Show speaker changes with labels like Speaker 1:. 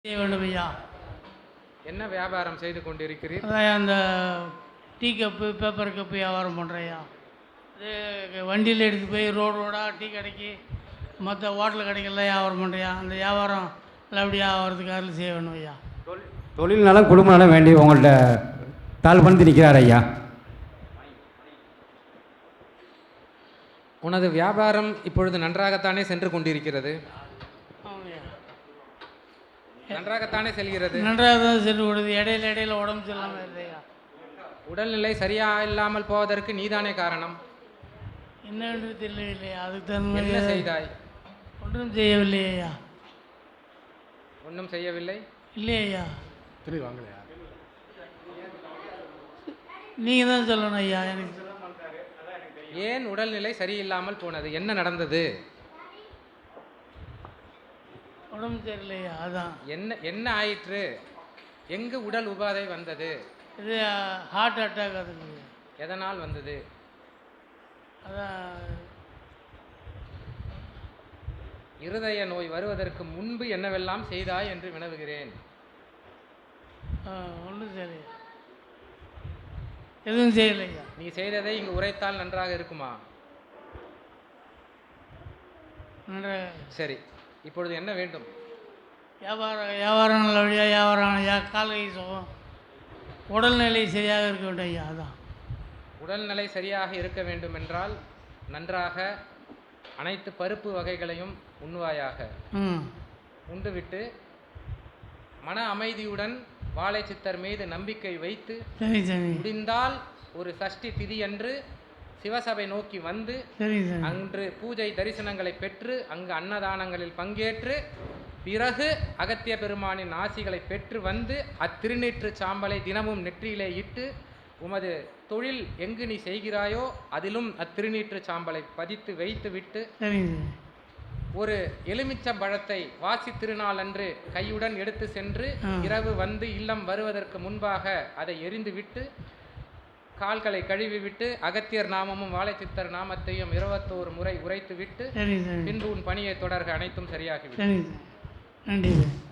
Speaker 1: செய்ய வேண்டும் ஐயா.
Speaker 2: என்ன வியாபாரம் செய்து கொண்டிருக்கிறீர்?
Speaker 1: அதான் அந்த டீ கப்பு பேப்பர் கப்பு வியாபாரம் பண்ணுறேயா. இது வண்டியில் எடுத்து போய் ரோடாக டீ கடைக்கு மற்ற ஹோட்டல் கடைக்கெல்லாம் வியாபாரம் பண்ணுறியா. அந்த வியாபாரம் நல்லபடியாக ஆகிறதுக்கு அருள் செய்ய வேணும் ஐயா.
Speaker 3: தொழில் நலம் குடும்ப நலம் வேண்டி உங்கள்கிட்ட தாழ் பண்ணி நிற்கிறார் ஐயா.
Speaker 2: உனது வியாபாரம் இப்பொழுது நன்றாகத்தானே சென்று கொண்டிருக்கிறது? நன்றாகத்தானே செல்கிறது?
Speaker 1: நன்றாக தான் சென்று கொடுது. இடையில உடம்பு சரியில்லாமல் இல்லையா.
Speaker 2: உடல்நிலை சரியா இல்லாமல் போவதற்கு நீதானே காரணம்.
Speaker 1: என்னென்று தெரியவில்லையா. அதுக்கு தகுந்த
Speaker 2: என்ன செய்தாய்?
Speaker 1: ஒன்றும் செய்யவில்லையா.
Speaker 2: ஒன்றும் செய்யவில்லை?
Speaker 1: இல்லையா.
Speaker 3: திரும்பி வாங்கலையா?
Speaker 1: நீங்கள் தான் சொல்லணும் ஐயா. எனக்கு
Speaker 2: ஏன் உடல்நிலை சரியில்லாமல் போனது? என்ன நடந்தது?
Speaker 1: உடம்பு சரியில்லையா. அதான்
Speaker 2: என்ன ஆயிற்று? எங்கு உடல் உபாதை வந்தது?
Speaker 1: இது ஹார்ட் அட்டாக். அதுக்கு
Speaker 2: எதனால் வந்தது?
Speaker 1: அதான்
Speaker 2: இருதய நோய் வருவதற்கு முன்பு என்னவெல்லாம் செய்தாய் என்று வினவுகிறேன்.
Speaker 1: ஒன்றும் சரி, எதுவும் செய்யலையா.
Speaker 2: நீ செய்ததை இங்கு உரைத்தால் நன்றாக இருக்குமா?
Speaker 1: நன்றாக.
Speaker 2: சரி, இப்பொழுது என்ன வேண்டும்?
Speaker 1: வியாபாரம் நல்லபடியாக வியாபாரம் ஐயா. கால் கை சுகம், உடல்நிலை சரியாக இருக்க வேண்டும் ஐயா. அதான்
Speaker 2: உடல்நிலை சரியாக இருக்க வேண்டும் என்றால் நன்றாக அனைத்து பருப்பு வகைகளையும் உண்ணுவாயாக. உண்டுவிட்டு மன அமைதியுடன் வாழை சித்தர் மீது நம்பிக்கை வைத்து முடிந்தால் ஒரு சஷ்டி திதி அன்று சிவசபை நோக்கி வந்து அன்று பூஜை தரிசனங்களை பெற்று அங்கு அன்னதானங்களில் பங்கேற்று பிறகு அகத்திய பெருமானின் ஆசிகளை பெற்று வந்து அத்திருநீற்று சாம்பலை தினமும் நெற்றியிலே இட்டு உமது தொழில் எங்கு நீ செய்கிறாயோ அதிலும் அத்திருநீற்று சாம்பலை பதித்து வைத்து விட்டு ஒரு எலுமிச்சம்பழத்தை வாசி திருநாள் அன்று கையுடன் எடுத்து சென்று இரவு வந்து இல்லம் வருவதற்கு முன்பாக அதை எரிந்து விட்டு கால்களை கழுவி விட்டு அகத்தியர் நாமமும் வாழை சித்தர் நாமத்தையும் 21 முறை உரைத்து விட்டு பின்பு உன் பணியை தொடர்க. அனைத்தும் சரியாகிவிடும்.
Speaker 1: நன்றி.